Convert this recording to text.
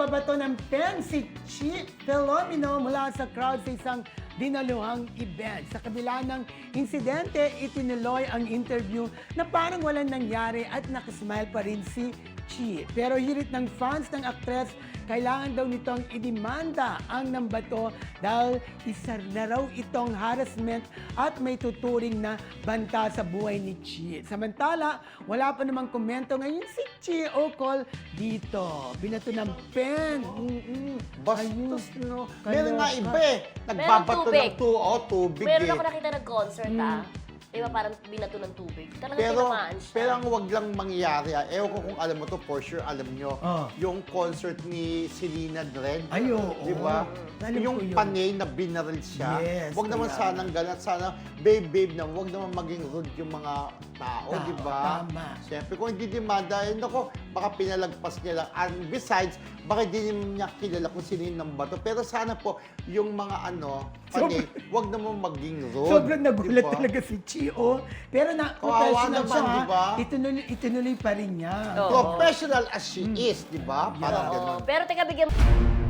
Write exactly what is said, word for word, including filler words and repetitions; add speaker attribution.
Speaker 1: Nagbabato ng pen si Chi Filomeno mula sa crowd sa isang dinaluhang event. Sa kabila ng insidente, itinuloy ang interview na parang walang nangyari at nakasmile pa rin si Chi. Pero hirit ng fans ng aktres, kailangan daw nitong idemanda ang nambato dahil isa na raw itong harassment at may tuturing na banta sa buhay ni Chi. Samantala, wala pa namang komento ngayon si Chi ukol dito. Binato ng pen. Mm-mm.
Speaker 2: Bastos, no?
Speaker 1: Kaloka.
Speaker 2: Meron nga iba eh. Nagbabato
Speaker 3: tubig.
Speaker 2: ng tu oh, tubig
Speaker 3: Meron
Speaker 2: eh.
Speaker 3: ako nakita nag-concert ah. Di ba parang binato ng tubig? Talagang
Speaker 2: Pero,
Speaker 3: tinamaan siya.
Speaker 2: pero ang wag lang mangyari, ah. Ewan ko kung alam mo to, for sure alam nyo,
Speaker 1: Ah.
Speaker 2: yung concert ni Selena Dren.
Speaker 1: Ay, oo.
Speaker 2: Di ba?
Speaker 1: Alam
Speaker 2: Yung
Speaker 1: ko yun.
Speaker 2: panay na binaril siya.
Speaker 1: Yes,
Speaker 2: Wag naman
Speaker 1: kaya-
Speaker 2: sanang ganat. Sana, babe, babe na, wag naman maging rude yung mga tao,
Speaker 1: Tao,
Speaker 2: di ba?
Speaker 1: tama.
Speaker 2: Siyempre, kung hindi demanda, eh, nako, baka pinalagpas niya lang. And besides, baka hindi niya kilala kung sino yung nambato. Pero sana po, yung mga ano, panay, wag naman maging rude.
Speaker 1: Sobrang nagulat
Speaker 2: di ba?
Speaker 1: talaga si Chi, oh. Pero na,
Speaker 2: Kawawa
Speaker 1: professional
Speaker 2: naman,
Speaker 1: siya, ha?
Speaker 2: di ba?
Speaker 1: Itinuloy, itinuloy pa rin niya.
Speaker 3: Oo.
Speaker 2: Professional as she is, di ba? Parang
Speaker 3: Yeah.
Speaker 2: ganun.
Speaker 3: Oo. Pero teka, bigyan